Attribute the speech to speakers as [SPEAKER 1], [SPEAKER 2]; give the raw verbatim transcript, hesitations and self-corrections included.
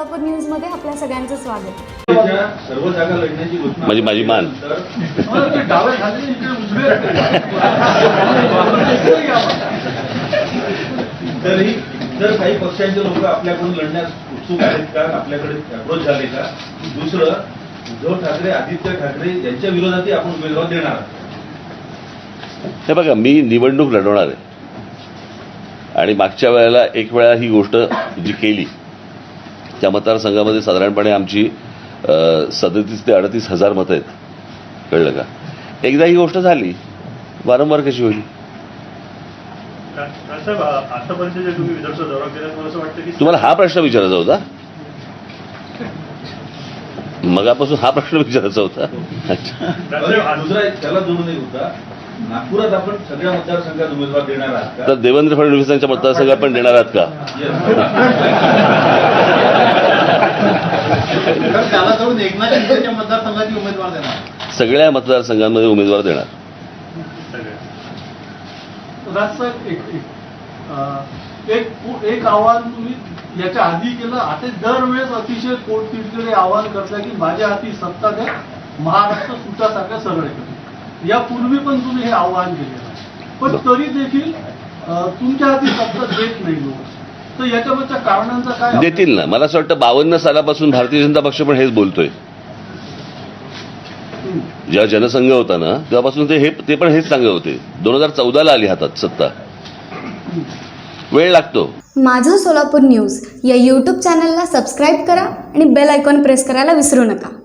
[SPEAKER 1] Solapur news मध्ये आपल्या सगळ्यांचं स्वागत.
[SPEAKER 2] सर्व जागा लढण्याची घोषणा
[SPEAKER 3] म्हणजे माझी मान
[SPEAKER 2] तरी जर काही पक्षांचे लोक आपल्याकडून लढण्यास उत्सुक आहेत का, आपल्याकडे अप्रोच झाले का? दुसरं, उद्धव ठाकरे आदित्य ठाकरे यांच्या विरोधातही आपण उमेदवार देणार.
[SPEAKER 3] हे बघा, मी निवडणूक लढवणार आहे आणि मागच्या वेळेला एक वेळा ही गोष्ट जी केली त्या मतदारसंघामध्ये साधारणपणे आमची सदतीस ते अडतीस हजार मतं आहेत. कळलं का? एकदा ही गोष्ट झाली, वारंवार कशी होईल?
[SPEAKER 4] आतापर्यंत जे तुम्ही विदर्भ दौरा केला, मला असं वाटतं की
[SPEAKER 3] तुम्हाला हा प्रश्न विचारायचा होता? मगापासून हा प्रश्न विचारायचा होता.
[SPEAKER 2] दुसरा एक त्याला जोडून एक होता, नागपुरात आपण सगळ्या मतदारसंघात उमेदवार देणार आहात का?
[SPEAKER 3] तर देवेंद्र फडणवीसांच्या मतदारसंघात पण देणार आहात का?
[SPEAKER 5] त्याला जाऊन एकनाथ शिंदेच्या मतदारसंघाची उमेदवार देणार.
[SPEAKER 3] सगळ्या मतदारसंघांमध्ये उमेदवार देणार.
[SPEAKER 5] राजसाहेब, एक एक एक आव्हान तुम्ही याच्या आधी केलं, आता दरवेळेस अतिशय पोटतिडकीने आव्हान करता की माझ्या हाती सत्ता द्या, महाराष्ट्र सुटासारख्या सरळ करतो. यापूर्वी पण तुम्ही हे आव्हान केलेलं आहे, पण तरी देखील तुमच्या हाती सत्ता देत नाही लोक. तर याच्यावरच्या कारणांचा काय?
[SPEAKER 3] देतील ना. मला असं वाटतं बावन्न सालापासून भारतीय जनता पक्ष पण हेच बोलतोय. जेव्हा जनसंघ होता ना तेव्हापासून ते हे ते पण हेच सांगत होते. दोन हजार चौदाला आली हातात सत्ता. वेळ लागतो.
[SPEAKER 1] माझं सोलापूर न्यूज या यूट्यूब चॅनलला सबस्क्राईब करा आणि बेल आयकॉन प्रेस करायला विसरू नका.